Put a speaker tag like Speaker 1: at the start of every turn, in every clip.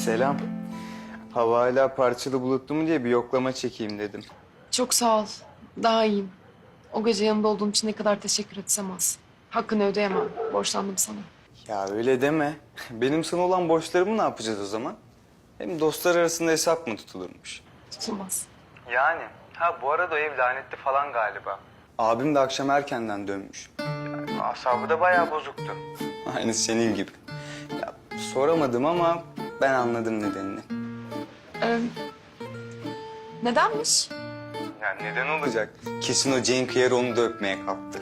Speaker 1: Selam. Hava hala parçalı bulutlu mu diye bir yoklama çekeyim dedim.
Speaker 2: Çok sağ ol. Daha iyiyim. O gece yanımda olduğun için ne kadar teşekkür etsem az. Hakkını ödeyemem. Borçlandım sana.
Speaker 1: Ya öyle deme. Benim sana olan borçlarımı ne yapacağız o zaman? Hem dostlar arasında hesap mı tutulurmuş?
Speaker 2: Tutulmaz.
Speaker 1: Yani. Ha bu arada o ev lanetli falan galiba. Abim de akşam erkenden dönmüş. Yani asabı da bayağı bozuktu. Aynı senin gibi. Ya soramadım ama ben anladım nedenini.
Speaker 2: Nedenmiş?
Speaker 1: Ya neden olacak? Kesin o Cenk Yer onu da öpmeye kalktı.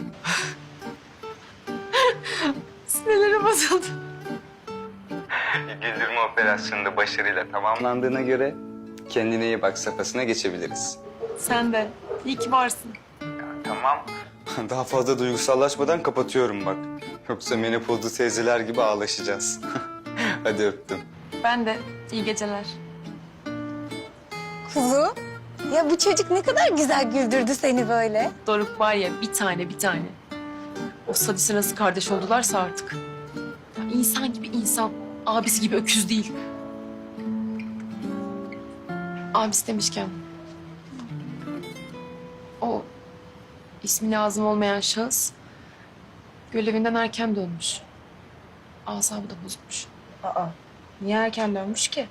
Speaker 2: Sinirlerim bozuldu.
Speaker 1: Güldürme operasyonu da başarıyla tamamlandığına göre kendine iyi bak safhasına geçebiliriz.
Speaker 2: Sen de. İyi ki varsın.
Speaker 1: Tamam. Daha fazla duygusallaşmadan kapatıyorum bak. Yoksa menopozlu teyzeler gibi ağlaşacağız. Hadi öptüm.
Speaker 2: Ben de. İyi geceler.
Speaker 3: Kuzu, ya bu çocuk ne kadar güzel güldürdü seni böyle.
Speaker 2: Doruk var ya bir tane bir tane. O sadise nasıl kardeş oldularsa artık. Ya insan gibi insan. Abisi gibi öküz değil. Abisi demişken. O ismi lazım olmayan şahıs görevinden erken dönmüş. Asabı da bozulmuş.
Speaker 3: Aa, niye erken dönmüş ki?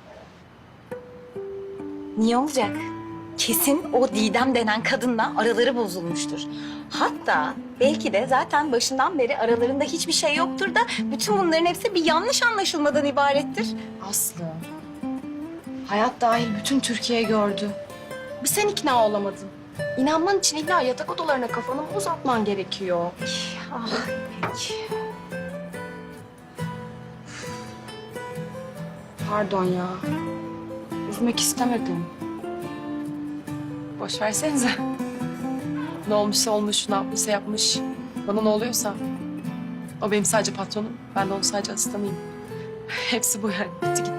Speaker 3: Niye olacak? Kesin o Didem denen kadınla araları bozulmuştur. Hatta belki de zaten başından beri aralarında hiçbir şey yoktur da bütün bunların hepsi bir yanlış anlaşılmadan ibarettir.
Speaker 2: Aslı. Hayat dahil bütün Türkiye gördü. Bir sen ikna olamadın. İnanman için illa yatak odalarına kafanı mı uzatman gerekiyor?
Speaker 3: Ah, peki.
Speaker 2: Pardon ya. Üzmek istemedim. Boş versenize. Ne olmuşsa olmuş, ne yapmışsa yapmış. Bana ne oluyorsa. O benim sadece patronum, ben de onun sadece asistanıyım. Hepsi bu yani. Bitti gitti.